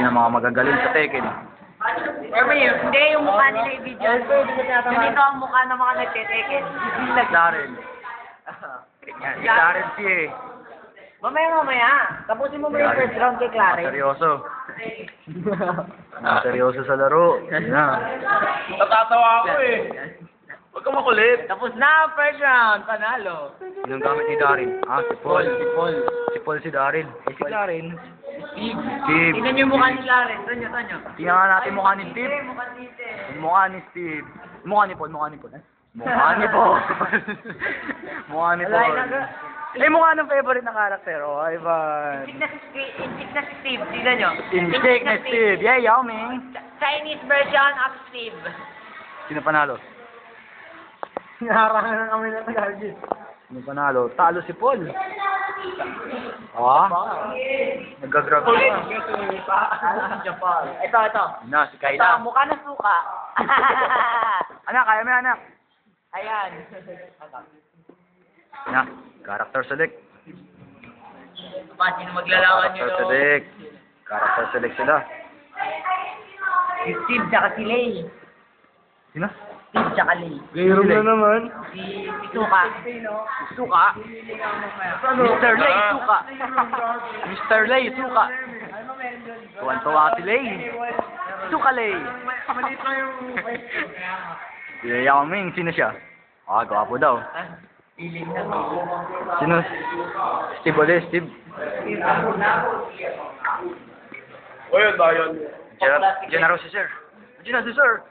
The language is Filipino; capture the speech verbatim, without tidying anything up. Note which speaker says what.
Speaker 1: Sino mga magagaling sa Tekken?
Speaker 2: Pero yun, hindi yung mukha nila yung video. Ganito ang mukha ng mga nagtiteken.
Speaker 1: Darren. Yan, si Darren si eh.
Speaker 2: Mamaya mamaya, tapusin mo mo yung first round kay Claren.
Speaker 1: Seryoso. Seryoso sa laro. Yan na.
Speaker 3: Natatawa ako eh. Huwag kang makulit.
Speaker 2: Tapos na ang first round, panalo.
Speaker 1: Yung gamit ni Darren. Ah, si Paul. Si Paul. Si Paul si Darren. Eh, si Claren.
Speaker 2: Steve.
Speaker 1: Steve.
Speaker 2: Tingnan niyo yung mukha ni Claren. Tanyo, tanyo.
Speaker 1: Tingnan nga natin mukha ni Steve.
Speaker 2: Mukha ni Steve.
Speaker 1: Mukha ni Steve. Mukha ni Paul. Mukha ni Paul. Mukha ni Paul. Mukha ni
Speaker 2: Wala,
Speaker 1: Paul.
Speaker 2: inaga-
Speaker 1: Eh, mukha ng favorite na karakter. Oh, Ivan.
Speaker 2: Intik na si Intik na si Steve. Tingnan niyo.
Speaker 1: Insik na Steve. Yeah, Yao Ming.
Speaker 2: Chinese version of Steve.
Speaker 1: Sino panalo?
Speaker 3: Hinaharangan na kami ng Tagalog.
Speaker 1: Sino panalo? Talo si Paul. Ah? Nag-grab
Speaker 3: Ulit.
Speaker 1: na.
Speaker 2: Japan. Ito, ito.
Speaker 1: Na, si
Speaker 2: Ito,
Speaker 1: Kayla.
Speaker 2: mukha ng suka.
Speaker 1: Anak, kaya mo anak.
Speaker 2: Ayan.
Speaker 1: Na, character select.
Speaker 2: Pa, sino maglalawan nyo?
Speaker 1: Character select. Character select sila.
Speaker 2: Si Steve tsaka si Lay.
Speaker 1: Sino?
Speaker 2: Steve tsaka Lay.
Speaker 3: Gayroon na naman.
Speaker 2: Si, si Suka.
Speaker 1: Suka. mister Lay, Suka. mister Lay, Suka. Tuwan-tuwa si Lay. Suka Lay.
Speaker 3: Maliit lang yung...
Speaker 1: Si Yao Ming, sino siya? Ah, gwapo daw.
Speaker 2: Piling na.
Speaker 1: Sino? Steve ulit, Steve.
Speaker 3: O yun, Dayan.
Speaker 1: Diyan na si Sir. Diyan na si Sir.